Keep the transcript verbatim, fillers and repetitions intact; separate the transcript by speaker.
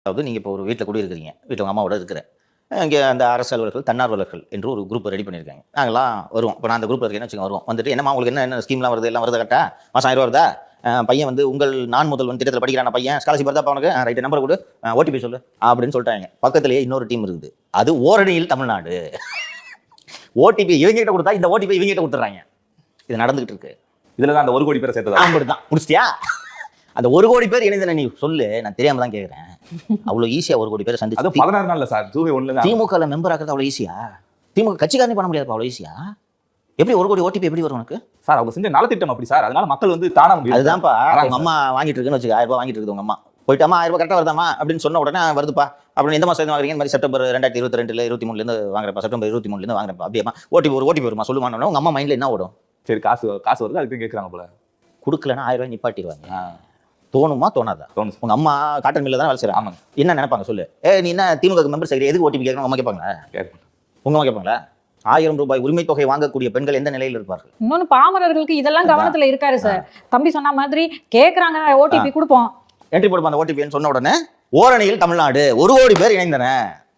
Speaker 1: அதாவது நீங்கள் இப்போ ஒரு வீட்டில் குடி இருக்கிறீங்க, வீட்டில் உங்கள் அம்மாவோட இருக்கிறேன். இங்கே அந்த அரசு அலுவலர்கள், தன்னார்வலர்கள் என்று ஒரு குரூப் ரெடி பண்ணியிருக்காங்க. நாங்களாம் வருவோம். இப்போ நான் அந்த குரூப்பில் இருக்கேன்னு வச்சுக்கோங்க, வருவோம். வந்துட்டு என்னம்மா உங்களுக்கு என்ன என்ன ஸ்கீம்லாம் வருது, எல்லாம் வருது கரெக்டாக, மாதம் ஆயிரம் ரூபா வருதா, பையன் வந்து உங்கள் நான் முதல்வன் திட்டத்தில் படிக்கிறான பையன், ஸ்காலர்ஷிப் வருதா அவனுக்கு, ரைட்டு நம்பர் கொடு, ஓடிபி சொல்லு அப்படின்னு சொல்லிட்டாங்க. பக்கத்துலேயே இன்னொரு டீம் இருக்குது, அது ஓரணியில் தமிழ்நாடு. ஓடிபி இவங்க கிட்ட கொடுத்தா இந்த ஓடிபி இவங்க கிட்ட கொடுத்துட்றாங்க. இது நடந்துகிட்டு இருக்கு.
Speaker 2: இதில் தான் அந்த ஒரு கோடி பேரை சேர்த்ததா?
Speaker 1: அப்படிதான் முடிச்சிட்டியா? அந்த ஒரு கோடி பேர் இணைந்தன நீ சொல்லு, நான் தெரியாம தான் கேட்குறேன். அவ்வளோ ஈஸியா ஒரு கோடி பேரை சந்திச்சு
Speaker 2: அது பதினாறு நாள்ல சார் ஜூலை ஒண்ணுல
Speaker 1: திமுக மெம்பர் ஆகிறது அவ்வளோ ஈஸியா? திமுக கட்சிக்காரனே பண்ண முடியாது அவ்வளோ ஈஸியா? எப்படி ஒரு கோடி ஓடிபி எப்படி வரும் உனக்கு?
Speaker 2: சார் அவங்க செஞ்ச நலத்திட்டம் அப்படி சார், அதனால மக்கள் வந்து தானா முடியும்.
Speaker 1: அதுதான்ப்பா உங்க அம்மா வாங்கிட்டு இருக்குன்னு வச்சுக்க, ஆயிரம் ரூபாய் வாங்கிட்டு இருக்குது உங்க அம்மா, போயிட்டாமா ஆயிரம் ரூபாய் கரெக்டாக வருதாமா அப்படின்னு சொன்ன உடனே வருதுப்பா அப்படின்னு எந்த மாதம் வாங்குறீங்க? இந்த மாதிரி செப்டம்பர் ரெண்டாயிரத்தி இருபத்தி ரெண்டுல இருபத்தி மூணுலேருந்து வாங்குறப்பா, செப்டம்பர் இருபத்தி மூணுலேருந்து வாங்குறப்பா, அப்படியேமா ஓடிபி ஒரு ஓடிபி வருமா சொல்லுவாங்க. உங்க அம்மா மைண்ட்ல என்ன ஓடும்?
Speaker 2: சரி காசு காசு வருது அதுக்கு கேட்குறாங்க போல,
Speaker 1: கொடுக்கலன்னா ஆயிரம் ரூபாய் நிப்பாட்டிடுவாங்க. தோணுமா தோணாதா?
Speaker 2: தோணும்.
Speaker 1: உங்க அம்மா காட்டன் மில்ல தான் வேலை செய்றாங்க.
Speaker 2: ஆமாங்க.
Speaker 1: என்ன நினைப்பாங்க சொல்லு? ஏ நீ என்ன திமுக மெம்பர் செய்கிற, எதுக்கு ஓடிபி கேட்கணும்? அம்மா கேட்பாங்களா? உங்க அம்மா கேட்பாங்களா? ஆயிரம் ரூபாய் உரிமை தொகை வாங்கக்கூடிய பெண்கள் எந்த நிலையில் இருப்பார்கள்?
Speaker 3: இன்னொன்னு பாமரர்களுக்கு இதெல்லாம் கவனத்துல இருக்காரு சார். தம்பி சொன்ன மாதிரி கேக்குறாங்க, ஓடிபி கொடுப்போம்,
Speaker 1: என்ட்ரி போடுப்போம் அந்த ஓடிபின்னு சொன்ன உடனே ஓரணியில் தமிழ்நாடு ஒரு கோடி பேர் இணைந்தன.